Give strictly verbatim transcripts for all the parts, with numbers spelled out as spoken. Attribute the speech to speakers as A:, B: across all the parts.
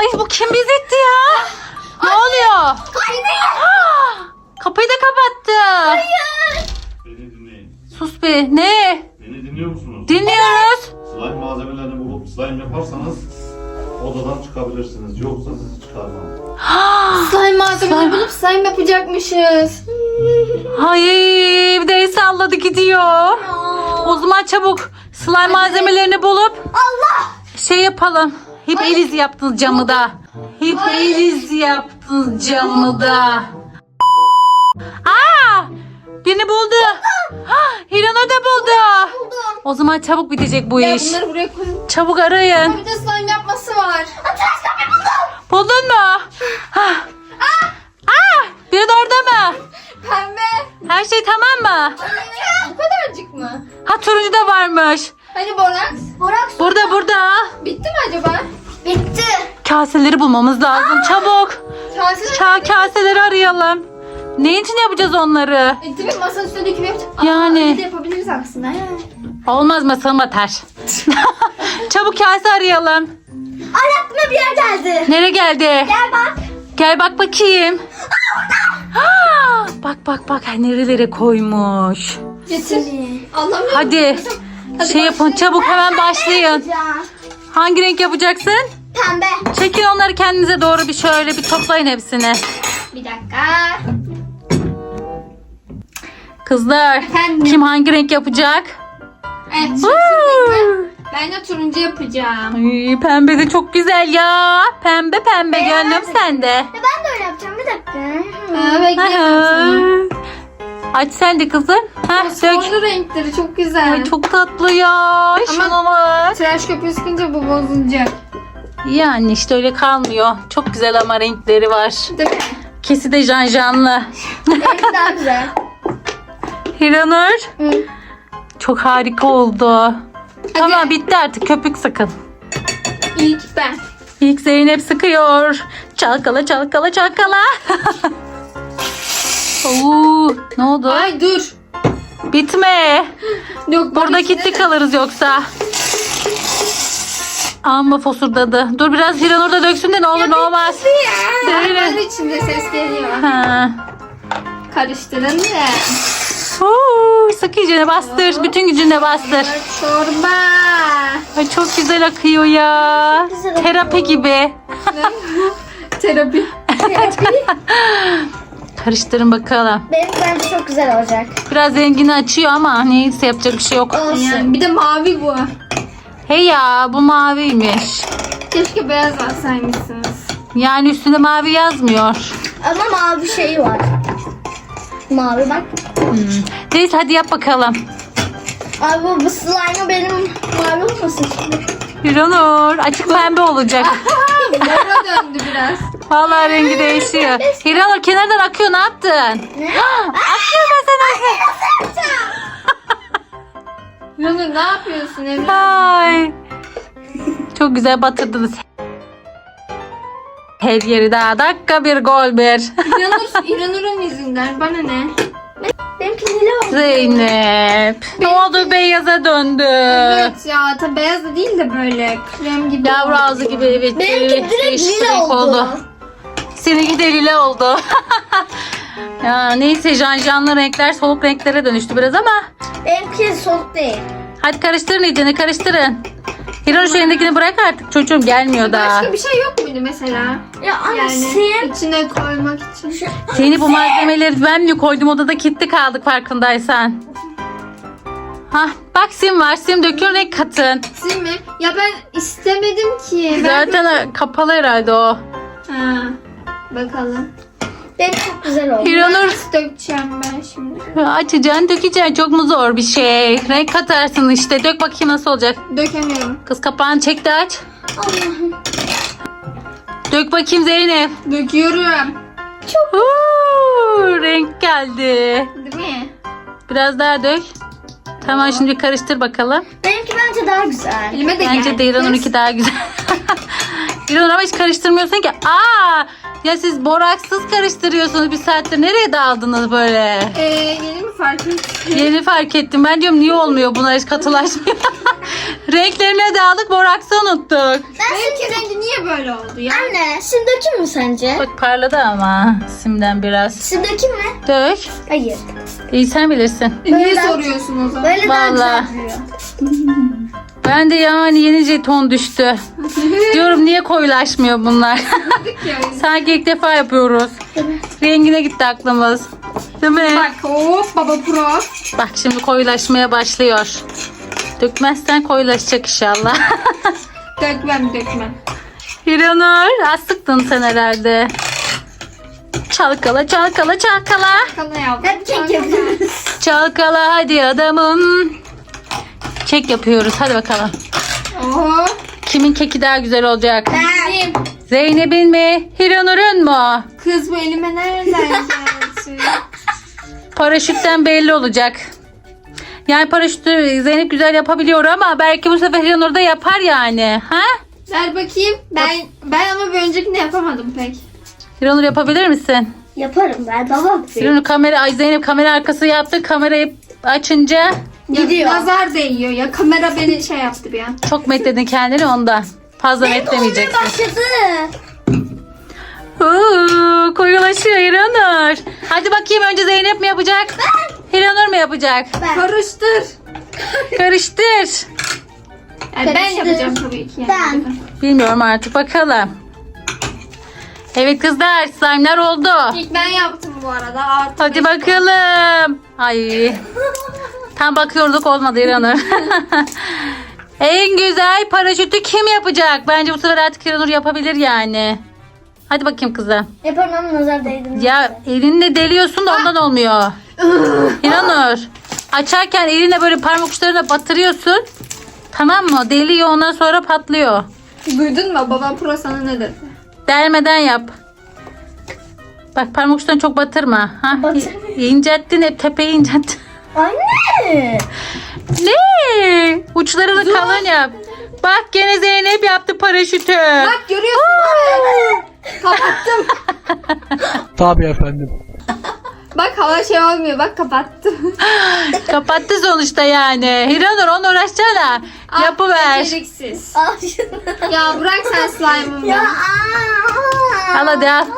A: Ay bu kim bizetti ya? Ne oluyor? Ah, kapıyı da kapattı.
B: Beni dinleyin.
A: Sus be. Ne?
B: Beni dinliyor musunuz?
A: Dinliyoruz.
B: Slime malzemelerini bulup slime yaparsanız odadan çıkabilirsiniz. Yoksa sizi çıkarmam.
C: Slime malzemeleri bulup slime yapacakmışız.
A: Hayır, bir de el salladı gidiyor. O zaman çabuk slime malzemelerini bulup
C: Allah!
A: şey yapalım. Hep el izi yaptınız camı da. Hep el izi yaptınız camı da. Aa! Birini buldu. Ah, Hiranur da buldu.
C: Buldum.
A: O zaman çabuk bitecek bu
C: Ya
A: iş.
C: bunları buraya koyun.
A: Çabuk arayın.
C: Bir de slime yapması var.
A: Buldun mu? Ah. Ah! Biri de orada mı?
C: Pembe.
A: Her şey tamam mı?
C: Bu kadarcık mı?
A: Ha turuncu da varmış.
C: Hani boraks? Boraks.
A: Burada burada.
C: Bitti mi acaba? Bitti.
A: Kaseleri bulmamız lazım. Çabuk.
C: Kase.
A: Ça kaseleri arayalım. Ne için yapacağız onları?
C: E, tabii masanın üstüne döküm yapacağız. Aa,
A: Yani.
C: bir de yapabiliriz aslında.
A: Olmaz masalım atar. Çabuk kase arayalım.
C: Ay aklıma bir yer geldi.
A: Nereye geldi?
C: Gel bak.
A: Gel bak bakayım. Aa, bak bak bak nerelere koymuş.
C: Getir. Allah'ım.
A: Hadi.
C: Hadi
A: Şey yapın
C: başlayalım.
A: çabuk hemen başlayın. Hangi renk yapacaksın?
C: Pembe.
A: Çekin onları kendinize doğru bir şöyle bir toplayın hepsini.
C: Bir dakika.
A: Kızlar
C: Efendim?
A: kim hangi renk yapacak?
C: Evet.
A: Woo!
C: Şimdi ben de turuncu yapacağım.
A: Ay, pembe de çok güzel ya. Pembe pembe gönlüm sende.
C: Ben de öyle yapacağım. Bir dakika. Ha, bekliyorum seni.
A: Aç sen de kızım. Heh, dök.
C: Sonlu renkleri çok güzel.
A: Ay, çok tatlı ya. Şuna bak.
C: Tıraş köpüğü sıkınca bu bozulacak.
A: Yani işte öyle kalmıyor. Çok güzel ama renkleri var.
C: Değil mi?
A: Kesi de janjanlı.
C: Benimki daha güzel.
A: Hiranur.
C: Hı.
A: Çok harika oldu. Tamam bitti artık köpük sıkın.
C: İlk ben.
A: İlk Zeynep sıkıyor. Çalkala çalkala çalkala. Oo, ne oldu?
C: Ay dur.
A: Bitme.
C: Yok,
A: Burada
C: içine
A: kilitli
C: de-
A: kalırız yoksa. Amma fosurdadı. Dur biraz Hiranur da döksün de ne olur ne olmaz.
C: Ya.
A: Değil mi?
C: Hayvan içinde ses geliyor.
A: Ha.
C: Karıştırın da.
A: Oo, sık iyicene bastır. Bütün gücünle bastır.
C: Çorba.
A: Ay, çok güzel akıyor ya.
C: Güzel
A: Terapi gibi.
C: Terapi.
A: Karıştırın bakalım.
C: Benim bence çok güzel olacak.
A: Biraz rengini açıyor ama neyse yapacak bir şey yok.
C: Yani bir de mavi bu.
A: Hey ya bu maviymiş.
C: Keşke beyaz alsaymışsınız.
A: Yani üstünde mavi yazmıyor.
C: Ama mavi şeyi var. Mavi bak.
A: Hmm. Neyse hadi yap bakalım.
C: Abi bu, bu slime benim mavi olmasın şimdi.
A: Hiranur açık pembe olacak.
C: Mora döndü biraz.
A: Vallahi rengi değişiyor. Hiranur kenardan akıyor ne yaptın?
C: Ne?
A: Akıyor mesela.
C: Yunus ne yapıyorsun Emre?
A: Ay. Çok güzel batırdınız. Her yeri daha dakika bir gol bir.
C: İranur, İranur'un yüzünden bana ne? Benimki lila oldu.
A: Zeynep. Ne oldu beyaza döndü.
C: Evet ya tabi beyaz da değil de böyle krem gibi.
A: Yavru ağzı gibi evet.
C: Benimki
A: evet,
C: direkt
A: değişik
C: lila
A: renk
C: oldu.
A: Seninki de lila oldu. Ya neyse janjanlı renkler soluk renklere dönüştü biraz ama.
C: Benimki soluk değil.
A: Hadi karıştırın iyicene karıştırın. Hiranur şu elindekini bırak artık çocuğum gelmiyor daha.
C: Başka bir şey yok muydu mesela? Ya ama yani
A: sen-
C: içine koymak için.
A: Seni bu malzemeleri ben mi koydum odada kilitli kaldık farkındaysan. Hah bak sim var sim dökün renk katın.
C: Sim mi? Ya ben istemedim ki. Ben...
A: Zaten kapalı herhalde o.
C: Ha, bakalım. Benim çok güzel oldu.
A: Hiranur.
C: Nasıl dökeceğim ben şimdi?
A: Açacaksın dökeceksin çok mu zor bir şey. Renk katarsın işte dök bakayım nasıl olacak.
C: Dökemiyorum.
A: Kız kapağını çek de aç.
C: Allah'ım.
A: Dök bakayım Zeynep.
C: Döküyorum.
A: Huu, renk geldi.
C: Değil mi?
A: Biraz daha dök. Tamam şimdi karıştır bakalım.
C: Benimki bence daha güzel. Elime de
A: Bence
C: geldi.
A: de İranur'unki daha güzel. İranur ama hiç karıştırmıyorsun ki. Aa, Ya siz boraksız karıştırıyorsunuz bir saattir. Nereye daldınız böyle?
C: Ee, yeni mi fark ettin?
A: Yeni fark ettim. Ben diyorum niye olmuyor bunlar hiç katılaşmıyor. Renklerine de aldık, boraksı unuttuk.
C: Benimki rengi niye böyle oldu ya?
D: Anne, sim dökeyim mi sence?
A: Bak parladı ama simden biraz.
D: Sim dökeyim mi?
A: Dök.
D: Hayır.
A: İyi sen bilirsin.
C: E, niye
D: Böyle-
C: soruyorsun o zaman?
D: Böyle daha
A: Vallahi.
D: güzel duruyor.
A: Ben de yani yeni jeton düştü. Diyorum niye koyulaşmıyor bunlar?
C: Yani.
A: Sanki ilk defa yapıyoruz. Rengine gitti aklımız. Değil mi?
C: Bak hop baba pro.
A: Bak şimdi koyulaşmaya başlıyor. Dökmezsen koyulaşacak inşallah.
C: Dökmem dökmem.
A: Hiranur az sıktın sen herhalde. Çalkala çalkala çalkala.
C: Kana yavrum.
D: Hep kek yapıyoruz.
A: Çalkala hadi adamım. Kek yapıyoruz hadi bakalım.
C: Oho.
A: Kimin keki daha güzel olacak?
C: Benim.
A: Zeynep'in mi? Hiranur'un mu?
C: Kız bu elime nereden geldi?
A: Paraşütten belli olacak. Yani paraşütü Zeynep güzel yapabiliyor ama belki bu sefer Hiranur da yapar yani. Ha?
C: Ver bakayım. Ben ben ama bir öncekini yapamadım pek.
A: Hiranur yapabilir misin?
D: Yaparım ben, babam.
A: Hiranur kamera, ay Zeynep kamera arkası yaptı. Kamerayı açınca
C: Ya,
D: Gidiyor.
C: nazar değiyor ya. Kamera beni şey yaptı bir an.
A: çok metledin kendini ondan. Fazla metlemeyeceksin.
D: Başladı.
A: Uuu, koyulaşıyor Hiranur. Hadi bakayım önce Zeynep mi yapacak? Hiranur mu yapacak?
D: Ben.
C: Karıştır.
A: Karıştır.
C: Yani ben
D: Karıştır.
C: yapacağım tabii ki. Yani.
D: Ben.
A: Bilmiyorum artık bakalım. Evet kızlar slime'lar oldu.
C: İlk ben yaptım bu arada. Artı
A: Hadi
C: beş.
A: bakalım. Ay. Tam bakıyorduk olmadı İranur. En güzel paraşütü kim yapacak? Bence bu sefer artık İranur yapabilir yani. Hadi bakayım kızım.
D: Yaparım ama nazar değdim.
A: Ya elinle deliyorsun da ondan olmuyor. İranur. Açarken elinle böyle parmak uçlarına batırıyorsun. Tamam mı? Deliyor ondan sonra patlıyor.
C: Duydun mu? Babam pro sana ne dedi?
A: Delmeden yap. Bak parmak uçlarını çok batırma. Ha?
D: Batırmıyorum.
A: İncettin hep tepeyi incettin.
D: Anne.
A: Ne? Uçlarını kalın yap. Bak gene Zeynep yaptı paraşütü.
C: Bak görüyorsun değil mi? Kapattım.
E: Tabii efendim.
C: Bak hava şey olmuyor. Bak kapattım.
A: Kapattı sonuçta yani. Hiranur onu uğraşsana. Yapıver.
C: Beceriksiz.
D: Al şunu.
C: Ya bırak sen slime'ımı.
D: Ya. aa.
A: Al hadi al.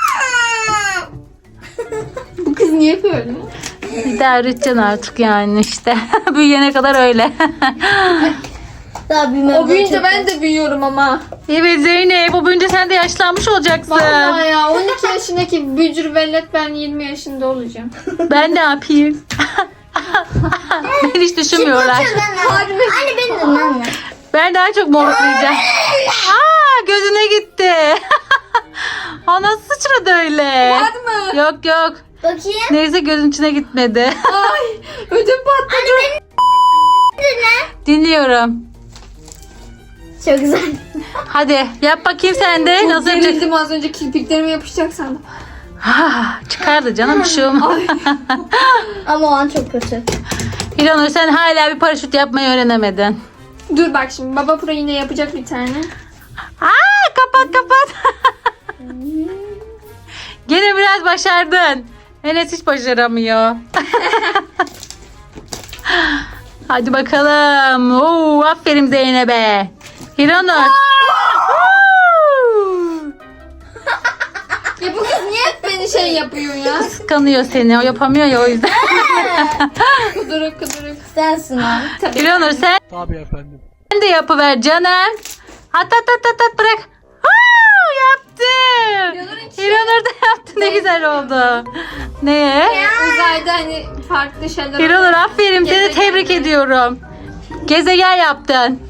C: Bu kız niye böyle?
A: İdare edeceksin artık yani işte. Büyüyene kadar öyle.
D: Daha büyümem.
C: O büyüyünce ben de büyüyorum ama.
A: Evet Zeynep o büyünce sen de yaşlanmış olacaksın.
C: Vallahi ya on iki yaşındaki bücür vellet ben yirmi yaşında olacağım.
A: Ben ne yapayım? Ben hiç düşünmüyorlar.
C: Harbi.
D: Anne beni de anne.
A: Ben daha çok moruklayacağım. Aa gözüne gitti. O nasıl sıçradı öyle?
C: Var mı?
A: Yok yok.
D: Bakayım.
A: Neyse gözün içine gitmedi.
C: Ay ödüm patladı.
D: Anne beni dinle.
A: Dinliyorum.
D: Çok güzel.
A: Hadi yap bakayım sen de.
C: Çok
A: Nasıl yapacaksın?
C: gerildim az önce kirpiklerime yapışacak sandım.
A: Ah, çıkardı canım bir şey olmaz.
D: Ama o an çok kötü.
A: İlhanur sen hala bir paraşüt yapmayı öğrenemedin.
C: Dur bak şimdi baba pro yine yapacak bir tane.
A: Aa, kapat kapat. Gene biraz başardın. Enes hiç başaramıyor. Hadi bakalım. Oo, aferin Zeynep'e. İlhanur.
C: Ya bu kız niye hep beni şey yapıyor ya?
A: Kıskanıyor seni. O yapamıyor ya o yüzden.
C: Kuduruk kuduruk.
D: Sensin o.
C: Tabii.
A: İlhanur sen
E: Tabii efendim.
A: de yapıver canım. At at at at, at bırak. Aa, yaptım.
C: İlhanur'un içi-
A: İlhanur da yaptı. Ne güzel oldu. Ne?
C: Uzayda hani farklı şeyler
A: İlhanur aferin. Seni
C: Gezegen
A: tebrik
C: mi?
A: ediyorum. Gezegen yaptın.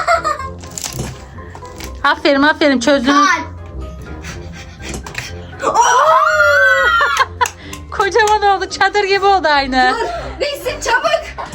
A: Aferin aferin çözdün.
D: Kalp.
A: Kocaman oldu. Çadır gibi oldu aynı.
C: Dur resim çabuk.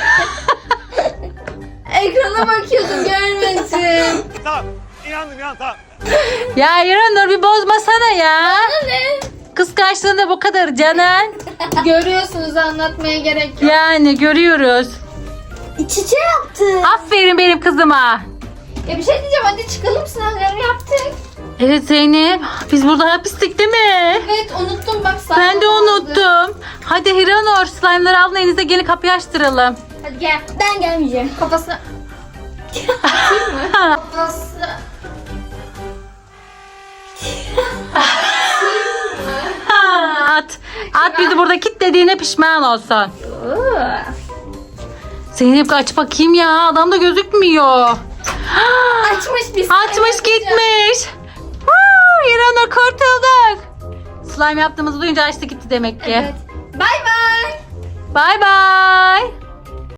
C: Ekrana bakıyordum görmedim.
E: Tamam. İnandım ya tamam.
A: Ya İlhanur bir bozmasana ya.
C: Ne?
A: Kıskançlığında bu kadar canım.
C: Görüyorsunuz anlatmaya gerek yok.
A: Yani görüyoruz.
D: İç içe yaptı.
A: Aferin benim kızıma.
C: Ya bir şey diyeceğim hadi çıkalım sınavları yaptık.
A: Evet Zeynep. Biz burada hapistik değil mi?
C: Evet unuttum bak.
A: Ben de
C: saklanamadı.
A: unuttum. Hadi Hiranur slime'ları alın elinize gelin kapıyı açtıralım.
C: Hadi gel.
D: Ben gelmeyeceğim.
C: Kafasına. Atayım mı? Kafası.
A: Ha, at. At bizi burada kilitlediğine pişman olsun. Zeynep aç bakayım ya. Adam da gözükmüyor.
C: Açmış biz.
A: Açmış gitmiş. Woo, İranur kurtulduk. Slime yaptığımızı duyunca açtı gitti demek ki.
C: Evet. Bay bay.
A: Bay bay.